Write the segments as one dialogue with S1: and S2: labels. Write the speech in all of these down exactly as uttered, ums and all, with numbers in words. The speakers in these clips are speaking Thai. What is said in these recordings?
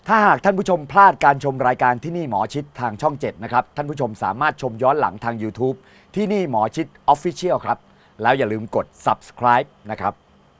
S1: ถ้าหากท่านผู้ชมพลาดการชมรายการที่นี่หมอชิดทางช่องเจ็ดนะครับท่านผู้ชมสามารถชมย้อนหลังทาง YouTube ที่นี่หมอชิด Official ครับแล้วอย่าลืมกด Subscribe นะครับ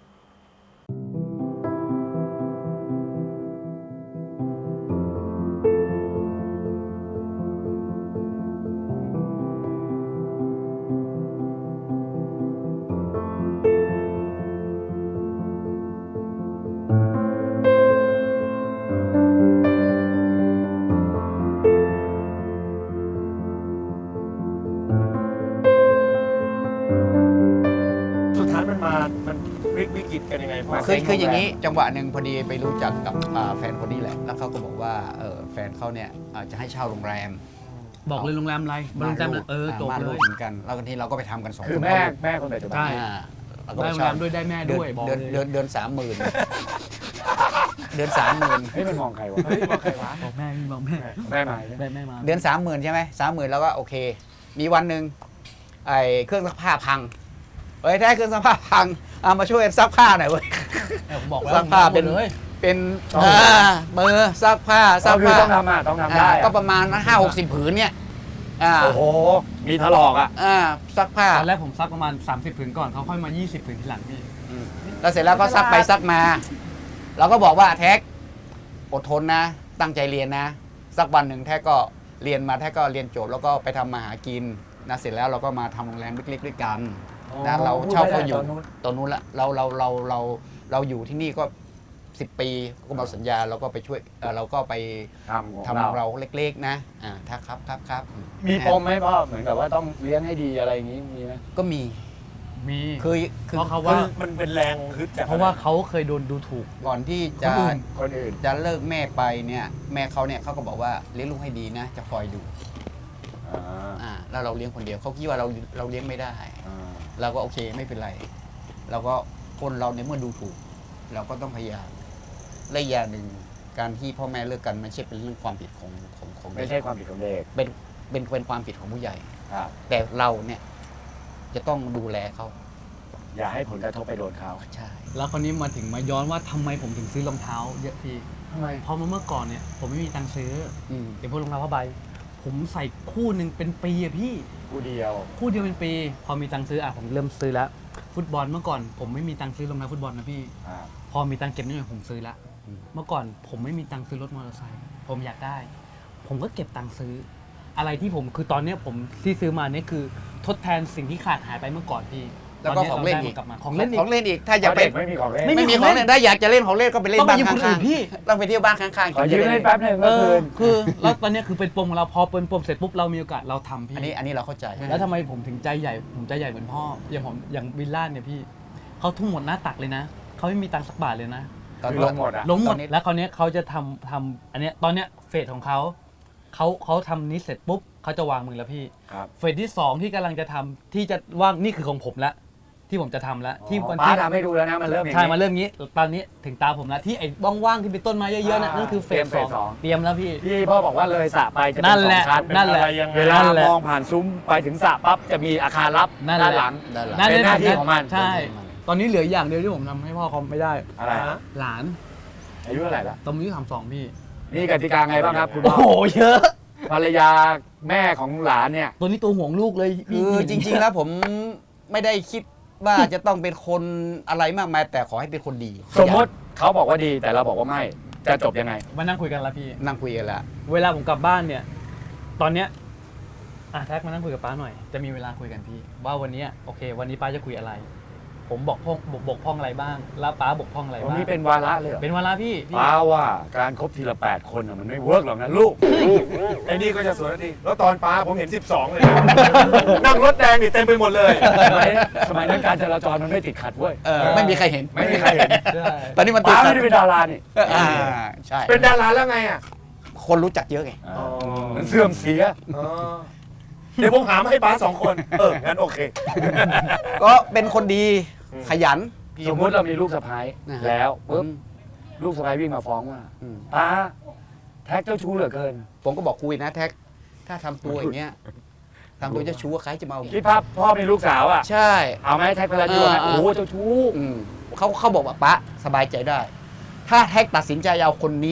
S2: มันวิวิกฤตกันยังไงพ่อ
S3: คือคืออย่างนี้จังหวะหนึ่งพอดีไปรู้จักกับอ่าแฟนคนนี้แหละแล้วเขาก็บอกว่าเออแฟนเขาเนี่ยอ่าจะให้เช่าโรงแรม
S4: บอกเลยโรงแรมอะไรโรงแรมเออจบ
S3: มา
S4: เล
S3: ลู
S4: ย
S3: กเหมือนกันแล้วกันทีเราก็ไปทำกันสอง
S1: คือ
S3: คน
S1: แม่แม่คนปัจจุบัน
S4: ใช่
S3: อ่าเราก็
S4: ได้
S3: ไป
S4: โรง
S3: เช่า
S4: แรมด้วยได้แม่ด้วยบอก
S3: เดือน
S4: เลย
S3: เดือนเดือนเดือนสามหมื่นเดือนสามหมื่น
S1: เฮ้ยมันมองใครวะ
S2: เฮ้ยบอกใครวะ
S4: บอกแม่พี่บอกแม่
S1: แม่มา
S4: แม่แม่มา
S3: เดือนสามหมื่นใช่ไหมสามหมื่นแล้วก็โอเค มีวันหนึ่งไอ้เครื่องซักผ้าพังเฮ้ยถ้าเครื่องซักผ้าพังเอามาช่วยซักผ้าหน่อยเว้ย
S4: ผมบอกแล้ว
S3: ซักผ้าเป็น
S4: เลย
S3: เป็นอ่ามือซักผ้าซั
S1: ก็
S3: ก
S1: คือ
S3: ผ้า
S1: ต้องทำอ่ะต้องทำได้
S3: อ่า
S1: อ่ะ
S3: ก็ประมาณห้าหกสิบผืนเนี่ยอ่า
S1: โอ้โหมีถลอกอ่ะ
S3: อ่าซักผ้า
S4: ตอนแรกผมซักประมาณสามสิบผืนก่อนเขาค่อยมายี่สิบผืนทีหลังพี่
S3: แล้วเสร็จแล้วก็ซักไปซักมา เราก็บอกว่าแท็กอดทนนะ ตั้งใจเรียนนะ สักวันหนึ่งแท็กก็เรียนมาแท็กก็เรียนจบแล้วก็ไปทำมาหากินนะเสร็จแล้วเราก็มาทำโรงแรมเล็กๆด้วยกันนะเราเช่าเขาอยู่ตอนนู้นละเราเราเราเราเราอยู่ที่นี่ก็สิบปีก็มาสัญญาเราก็ไปช่วยเอ่อเราก็ไป
S1: ทำของ
S3: ทำของ
S1: เรา
S3: เราเล็กๆนะอ่าถ้าครับครับครับ
S1: มีปมไหมพ่อเหมือนกับว่าต้องเลี้ยงให้ดีอะไรอย่างงี้มีไหม
S3: ก็มี
S4: มี
S3: คือคือ
S4: เพราะเขา
S2: มั
S4: ว่า
S2: นมันเป็นแรงฮึดจาก
S4: เพราะว่าเขาเคยโดนดูถูก
S3: ก่อนที่จะ
S4: คนอื่น
S1: คนอื่น
S3: จะเลิกแม่ไปเนี่ยแม่เขาเนี่ยเขาก็บอกว่าเลี้ยงลูกให้ดีนะ จะคอยดู
S1: อ่า
S3: อ่าแล้วเราเลี้ยงคนเดียวเขาคิดว่าเราเราเลี้ยงไม่ได้
S1: อ่า
S3: เราก็โอเคไม่เป็นไรเราก็คนเราเนี่ยเมื่อดูถูก เราก็ต้องพยายามและอย่างหนึ่งการที่พ่อแม่เลิกกันไม่ใช่เป็นเรื่องความผิดของของของ
S1: ไม่ใช่ความผิดของเด็ก
S3: เป็นเป็นเป็นความผิดของผู้ใหญ่
S1: ครับ
S3: แต่เราเนี่ยจะต้องดูแลเขา
S1: อย่าให้ผลกระทบไปโดนเขา
S3: ใช่
S4: แล้วคนนี้มาถึงมาย้อนว่าทำไมผมถึงซื้อรองเท้าเยอะพี่
S1: ทำไม
S4: เพราะเมื่อก่อนเนี่ยผมไม่มีตังค์ซื้อ
S3: อืม
S4: เดี๋ยวพวกรองเท้าผ้าใบผมใส่คู่หนึ่งเป็นปีอะพี่
S1: ผู้เดียว
S4: คู่เดียวเป็นปี พอมีตังค์ซื้ออ่ะผมเริ่มซื้อแล้ว ฟุตบอลเมื่อก่อนผมไม่มีตังค์ซื้อรองเท้าฟุตบอลนะพี่
S1: อ่า
S4: พอมีตังค์เก็บนิดหน่อยผมซื้อละเมื่อก่อนผมไม่มีตังค์ซื้อรถมอเตอร์ไซค์ผมอยากได้ ผมก็เก็บตังค์ซื้อ อะไรที่ผมคือตอนเนี้ยผมที่ซื้อมาเนี่ยคือทดแทนสิ่งที่ขาดหายไปเมื่อก่อนพี่
S3: แล้วก็
S4: ต
S3: ของเล่นอีก
S4: ราได้มักลับมาของเล่นอี
S3: ของ
S4: ก
S3: เล่นอีกถ้าอยาก
S1: เพ
S3: ไป
S1: ราะเด็กไม่มีของเล่น
S4: ไม่
S3: ไม่มีของเล่นถ้าอยากจะเล่นของเล่นก็ไปเล่น
S4: ต้องไป
S3: บ้าน
S4: ยืมคนอื่
S3: ข้าง
S4: นพี่
S3: ๆต้องไปเที่ยวบ้านข้างๆ
S1: ขอยืมเล่นแป๊บหนึ่ง
S4: เอ
S1: ก็คื
S4: อน คือแล้วตอนเนี้ยคือเป็นปมของเราพอเป็นปมเสร็จปุ๊บเรามีโอกาสเราทำพี่
S3: อันนี้อันนี้เราเข้าใจ
S4: แล้วทำไมผมถึงใจใหญ่ผมใจใหญ่เหมือนพ่ออย่างผมอย่างวิลล่าเนี่ยพี่เขาทุ่มหมดหน้าตักเลยนะเขาไม่มีตังค์สักบาทเลยนะ
S3: ตอน
S1: คือลงหมดอ่ะ
S4: ล้มหม
S3: ตอ
S4: ด
S3: นนี้
S4: แล้วคราวเนี้ยเขาจะทำทำอันเนี้ยตอนเนี้ยเฟสของเขาเขาเขาทำนี้เสร็จปุ๊บเขาจะวางมือแล้วพี่
S1: ครับ
S4: เฟสที่สองที่กำลังจะทำที่จะว่างนี่คือของผมละที่ผมจะทำแล้วที่วัน
S1: ป้า
S4: ที่
S1: ทำให้ดูแล้วนะมันเริ่มอย่าง
S4: ใช่
S1: นี้
S4: มาเริ่มงี้ตอนนี้ถึงตาผมแล้วที่ไอ้ว่างๆที่เป็นต้นไม้เยอะๆน่ะ
S1: อ่า
S4: นั่นคือเฟส
S1: เตรียมเฟส
S4: ส
S1: ส
S4: อ
S1: อง ง
S4: เตรียมแล้วพี่
S1: ที่พ่อบอกว่าเลยสระไปจะเป็น
S4: นั่น
S1: สอ
S4: แหละ
S1: งชั้น
S4: นั่นแหละ
S2: อะไรยังไง
S1: เวลา
S4: นั่นแหละ
S1: มองผ่านซุ้มไปถึงสระปั๊บจะมีอาคารลับ
S4: นั่นแหละ
S1: ด้านหลัง
S3: ด้านหลัง
S4: นั่น
S1: เป็นหน้าที่ของมัน
S4: ใช่ ตอนนี้เหลืออย่างเดียวที่ผมทำให้พ่อเขาไม่ได้
S1: อะไรฮะ
S4: หลาน
S1: อายุเท่าไหร่ละ
S4: ตอนอายุสามสองพี่
S1: นี่กติกาไงบ้างครับคุณ
S4: โอ้
S1: พ่อ
S4: โหเยอะ
S1: ภรรยาแม่ของหลานเนี่ย
S4: ตัวนี้ตัวห่วงลูกเลย
S3: คือจริงๆแล้วผมไม่ได้คิดว่าจะต้องเป็นคนอะไรมากมายแต่ขอให้เป็นคนดี
S1: สมมติเขาบอกว่าดีแต่เราบอกว่าไม่จะจบยังไง
S4: มานั่งคุยกันละพี่
S3: นั่งคุยกันแล้ว
S4: เวลาผมกลับบ้านเนี่ย ตอนเนี้ยอ่ะแท็กมานั่งคุยกับป้าหน่อย จะมีเวลาคุยกันพี่ ว่าวันเนี้ยโอเค วันนี้ป้าจะคุยอะไร ผมบอกพ่องบกบกพร่องอะไรบ้าง แล้วป้าบกพร่องอะไร
S1: วัน
S4: บ้าง
S1: นี้เป็นวาระเลยเหรอ
S4: เป็นเวลาพี่พี่
S1: ป้าว่าการคบทีละแปดคนน่ะมันไม่เวิร์กหรอกนะลูก
S2: ไอ้นี่ก็จะสวนทีแล้วตอนป้าผมเห็นสิบสองเลย นั่งรถแดงนี่เต็มไปหมดเลย
S1: สมัยสมัยนั้นการจราจรมันไม่ติดขัดเว้ย
S3: เออไม่มีใครเห็น
S1: ไม่มีใครเห็น
S4: ใช่
S3: ตอนนี้มันติด
S1: ป้า
S3: ขั
S1: ไม่
S3: ด
S1: ได้เป็นดารานี่
S3: อ่าใช่
S2: เป็นดาราแล้วไงอ่ะ
S3: คนรู้จักเยอะไง
S1: อ่ามันเสื่อมเสีย
S2: อ๋อเดี๋ยวผมหามาให้ป้าสองคน เออ งั้นโอเค
S3: ก็เป็นคนดี
S2: อืม
S3: ขยัน
S1: สมมติเรามีลูกสะใภ้
S3: นะฮะ
S1: แล้วปุ๊บ
S3: อืม
S1: ลูกสะใภ้วิ่งมาฟ้องว่า
S3: อืม
S1: ป้าแท็กเจ้าชู้เหลือเกิน
S3: ผมก็บอกคุยนะแท็กถ้าทำตัวอย่างเงี้ยทำตัวเจะชู้ว่าใครจะมาเอา
S1: คิดภาพพ่อมีลูกสาวอ่ะ
S3: ใช่
S1: เอาไหมแท็กพลันยูนะ
S3: อ่า
S1: โอ้โหเจ้าชู้
S3: อืมเขาเขาบอกว่าป้าสบายใจได้ ถ้าแท็กตัดสินใจเอาคนนี้นะ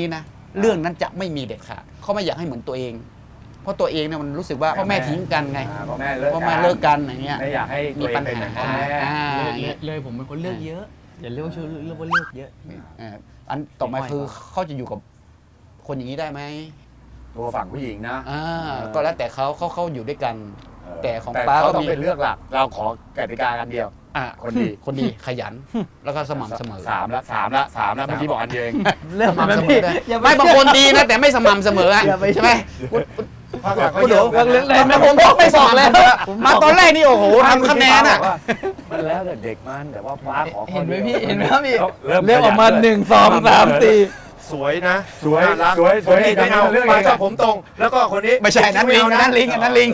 S3: เรื่องนั้นจะไม่มีเด็ดขาดเขาไม่อยากให้เหมือนตัวเอง เพราะตัวเองเนี่ยมันรู้สึกว่าพ่อแม่ทิ้งกันไง
S1: อ่าพ่อแม่เลิก
S3: พ่อแม่เลิกกันอย่างเงี้ย
S1: ไม่อยากให้
S3: มี
S1: ตัวเอง
S3: ปัญ
S1: เป็นเหมื
S3: หา
S1: อนพ่อแม่
S3: อ่า
S4: เลย
S3: อย่าง
S4: เล
S3: เงี้
S4: ย
S3: ย
S4: เลยผมเป็นคนเลือกเยอะ อย่าเรียกว่าชื่อเรียกว่าเลือกเยอะ
S3: เอ่ออันต่อมาคือเขาจะอยู่กับคนอย่างนี้ได้ไหม
S1: ตัวฝั่งผู้หญิงนะ
S3: อ่าก็แล้วแต่เขาเขาเขาอยู่ด้วยกัน แต่ของ
S1: แต่
S3: ป้า
S1: เขา
S3: ก็
S1: ต้อง
S3: มี
S1: เป็นเลือกหลัก เราขอกติกากันเดียว อ่ะคนดี
S3: คนดีขยัน แล้วก็สม่ำเสมอ
S1: สามละสามละสามละเมื่อกี้บอกอันเดียวเอง
S4: เลือก
S3: สม่ำเสม
S4: พี่
S3: อด้วย
S4: อย่าไป
S3: ไม่บางคนดีนะแต่ไม่สม่ำเสมออะ
S4: อย่าไป
S3: ใช่ไหม
S2: พักหลังก็
S3: คุณ
S2: เย
S3: เดี๋ยว
S2: อะ
S4: เรื่องเล่น
S3: ไม่ผมบอกไม่บอกแล้วมาตอนแรกนี่โอ้โหทำคะแนนอ่ะ
S1: มันแล้วแต่เด็กมันแต่ว่าป้าขอข้อ
S4: เห็นไหม
S1: ดียว
S4: พี่เห็นไหมครับพี่
S1: เริ่ม
S4: เรียกออกมาหนึ่งสองสามสี่
S2: สวยนะ
S1: สวย
S2: น่ารัก
S1: สวยสวย
S2: คนนี้ไม่เอา
S1: เรื่อง
S2: ป้า
S1: เอง
S2: ชอบผมตรง แล้วก็คนนี้
S3: ไม่ใช่นั่นลิง
S2: ไม่เอา
S3: นั่นลิงอันนั่นลิง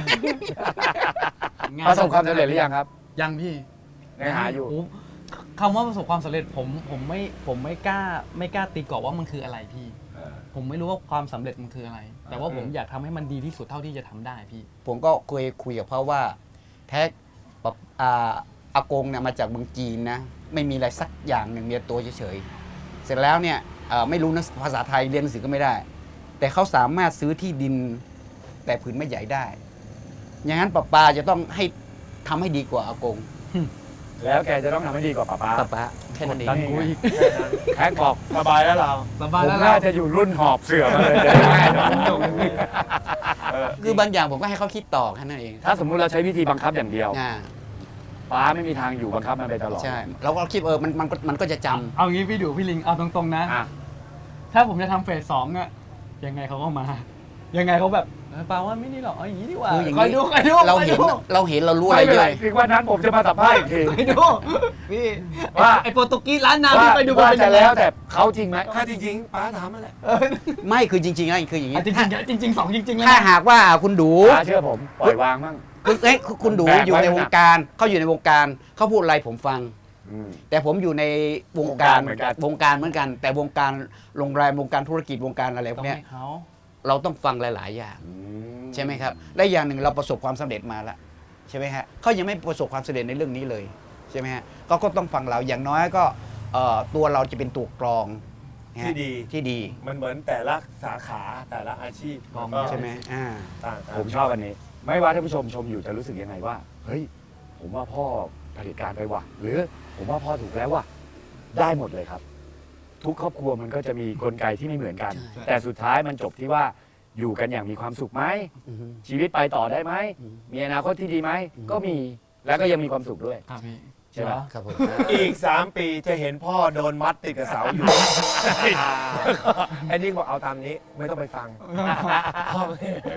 S1: ประสบความสำเร็จหรือยังครับ
S4: ยังพี่
S1: ยังหาอยู่
S4: โคำว่าประสบความสำเร็จผมผมไม่ผมไม่กล้าไม่กล้าตีกรอบว่ามันคืออะไรพี่ ผมไม่รู้ว่าความสำเร็จมันคืออะไร แต่ว่าผมอยากทำให้มันดีที่สุดเท่าที่จะทำได้พี่
S3: ผมก็เคยคุยกับเขาว่าแท็กปะอ่าอากงเนี่ยมาจากเมืองจีนนะ ไม่มีอะไรสักอย่างหนึ่งมีแต่ตัวเฉยๆเสร็จแล้วเนี่ยเอ่อไม่รู้นะภาษาไทยเรียนหนังสือก็ไม่ได้ แต่เขาสามารถซื้อที่ดินแต่ผืนไม่ใหญ่ได้ อย่างนั้นป้าปาจะต้องให้ทำให้ดีกว่าอากง
S1: แล้วแกจะต้องทำให้ดีกว่าป้าป้า
S3: ป้าปาแค่นั้นเอง
S1: ดันกูอีกแท็กบอก
S2: สบายแล้วเรา
S4: ส
S1: ผ
S4: บาย
S1: ม
S4: แล้ว
S1: น่า
S4: ล่ะ
S1: จะอยู่รุ่นหอบเสือมาเลยจะได้ง่ายหน่อย
S3: คือบางอย่างผมก็ให้เขาคิดต่อแค่นั้นเอง
S1: ถ้าสมมุติเราใช้วิธีบังคับอย่างเดียว
S3: อ่า
S1: ป้าไม่มีทางอยู่บังคับมันไปตลอด
S3: ใช่เราก็คิดเออมันมันก็มันก็จะจำ
S4: เอางี้พี่ดูพี่ลิงเอาตรงๆนะ
S1: อ่ะ
S4: ถ้าผมจะทำเฟสสองอะยังไงเขาก็มา ยังไงเขาแบบเออปาว่าไม่นี่หรอกเอาอย่างนี้ดีกว่า
S3: คืออย่าง
S4: คอย
S3: นี้
S4: ดูคอยดู
S3: เรา
S4: คอย
S3: เห็น
S4: ดู
S3: เราเห็นเรารู้อะไร
S1: ไม่เป็น
S3: เย
S1: ไร
S3: อะ
S1: ถึงวันนั้นผมจะมาสัมภาษณ์อีกที
S4: คอยดูพี่
S1: ว่า
S4: ไอโปรตุกีสร้านน้ำ
S1: ว่า
S4: ที่ไปดู
S1: ว่า
S4: เป็น
S1: จะ
S4: ยังไง
S1: แล้วแต่เขาจริงไหม
S2: ถ้าจริงๆป้าถามมาแหละ
S3: ไม่คือจริงๆนะคืออย่างนี้
S4: อ่ะจริงๆจริงๆสองจริงๆเลย
S3: ถ้า
S4: นะ
S3: หากว่าคุณดู
S1: ป้าเชื่อผมปล่อยวางมั่ง
S3: คุณเอ้ยคุณดู
S1: แบกไว้
S3: อยู่ใน
S1: ขนาด
S3: วงการเขาอยู่ในวงการเขาพูดอะไรผมฟัง
S1: อืม
S3: แต่ผมอยู่ในวงการ
S1: วงการเหมือนกัน
S3: วงการเหมือนกัน แต่วงการโรงแรมวงการธุรกิจวงการอะไรพ
S4: ต้
S3: ว
S4: อก ง
S3: เนี้ย
S4: ให้เขา
S3: เราต้องฟังหลาย ๆ อย่าง
S1: อื
S3: ใช่ไหมครับและอย่างหนึ่งเราประสบความสำเร็จมาแล้วใช่ไหมฮะเขายังไม่ประสบความสำเร็จในเรื่องนี้เลยใช่ไหมฮะก็ก็ต้องฟังเราอย่างน้อยก็เอ่อตัวเราจะเป็นตัวกรองนะฮะ
S2: ที่ดี
S3: ที่ดี
S2: มันเหมือนแต่ละสาขาแต่ละอาชีพ
S4: กอง
S2: ก็
S3: ใช่ไหมอ่า
S2: ต่างกัน
S1: ผมชอบอันนี้ ไม่ว่าท่านผู้ชมชมอยู่จะรู้สึกยังไงว่า เฮ้ย ผมว่าพ่อเผลิตการไปว่ะ หรือผมว่าพ่อถูกแล้วว่ะ ได้หมดเลยครับ ทุกครอบครัวมันก็จะมีกลไกที่ไม่เหมือนกัน
S3: ใช่
S1: แต่สุดท้ายมันจบที่ว่าอยู่กันอย่างมีความสุขไหม
S3: อือฮึ
S1: ชีวิตไปต่อได้ไหม
S3: อืม
S1: มีอนาคตที่ดีไหม
S3: อืม
S1: ก็มีแล้วก็ยังมีความสุขด้วย
S4: ครับพี่
S1: ใช่ไหม
S3: ครับผม
S2: อีกสามปีจะเห็นพ่อโดนมัดติดกับเสาอยู่ ไอ้นี่บอกเอาตามนี้ไม่ต้องไปฟังพ่อ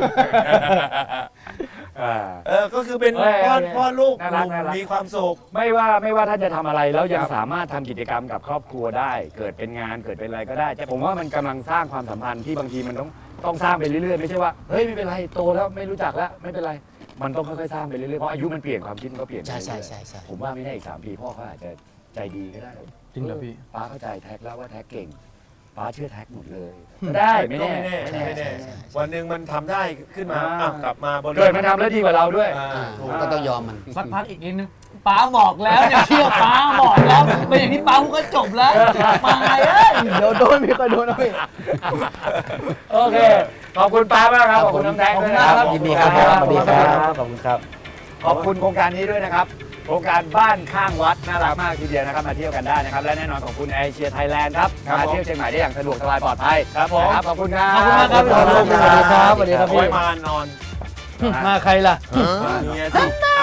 S1: อ่า
S2: เออก็คือเป็น
S1: เอ้ย
S2: พ่อ
S1: เอ้ย
S2: พ่อลูก
S1: น่า
S2: ห
S1: รัก
S2: นุ่ม
S1: น่ารัก
S2: มีความสุข
S1: ไม่ว่าไม่ว่าท่านจะทำอะไรแล้วยัง
S2: ครับ
S1: สามารถทำกิจกรรมกับครอบครัวได้ เกิดเป็นงานเกิดเป็นอะไรก็ได้แต่ผมว่ามันกำลังสร้างความสัมพันธ์ที่บางทีมันต้องต้องสร้างไปเรื่อยๆไม่ใช่ว่าเฮ้ยไม่เป็นไรโตแล้วไม่รู้จักแล้วไม่เป็นไรมันต้องค่อยๆสร้างไปเรื่อยๆเพราะอายุมันเปลี่ยนความคิดมันก็เปลี่ยนไป
S3: ใช่
S1: เรื่อยๆ
S3: ใช่ใช่ใช่
S1: ผมว่าไม่แน่อีกสามปีพ่อเขาอาจจะใจดีก็ได้
S4: จริงเหรอพี่
S1: ป้าเข้าใจแท็กแล้วว่าแท็กเก่งป้าเชื่อแท็กหมดเลยก็ได้ไม่
S2: ก็
S1: แน่
S2: ไม่แน่
S3: ใช่
S2: ไม่แน่
S3: ใช่ใช่
S2: วันหนึ่งมันทำได้ขึ้นมา
S1: อ่า
S2: อ้าวกลับมาบริ
S1: เกิดมันทำแล้วดีกว่าเราด้วย
S2: อ่า
S3: อ่า
S2: ถูก
S3: ก็ต้องยอมมัน
S4: สักพักอีกนิดนึงป้าบอกแล้วอย่าเชื่อป้าบอกแล้วเป็นอย่างที่ป้าพูดก็จบแล้วมาเอ้ยเดี๋ยวโดนพี่ก็โดนเอาพี่
S1: โอเคขอบคุณป้ามากครับขอบคุณน้องแท็กด้วยนะครับ
S3: ยินดีครับ
S1: ขอบ
S3: สวัส
S1: คุ
S3: ดี
S1: ณ
S3: ค
S1: ค
S3: รั
S1: รั
S3: บบ ขอบคุณครับ
S1: ขอบคุณโครงการนี้ด้วยนะครับ โครงการบ้านข้างวัดน่ารักมากทีเดียวนะครับมาเที่ยวกันได้นะครับ และแน่นอนขอบคุณไอเชียไทยแลนด์ครับ
S2: ครับ
S1: มา
S2: ผม
S1: เที่ยวเชียงใหม่ได้อย่างสะดวกสบายปลอดภัย
S2: ครับผม
S1: นะครับขอบคุณครับ
S4: ขอบคุณมากครับ
S1: ขอบคุณ
S4: สวัสดีครับสวัสดีครับ
S2: โอ้ยมานอน
S4: มาใครล่ะ
S2: เมียสิ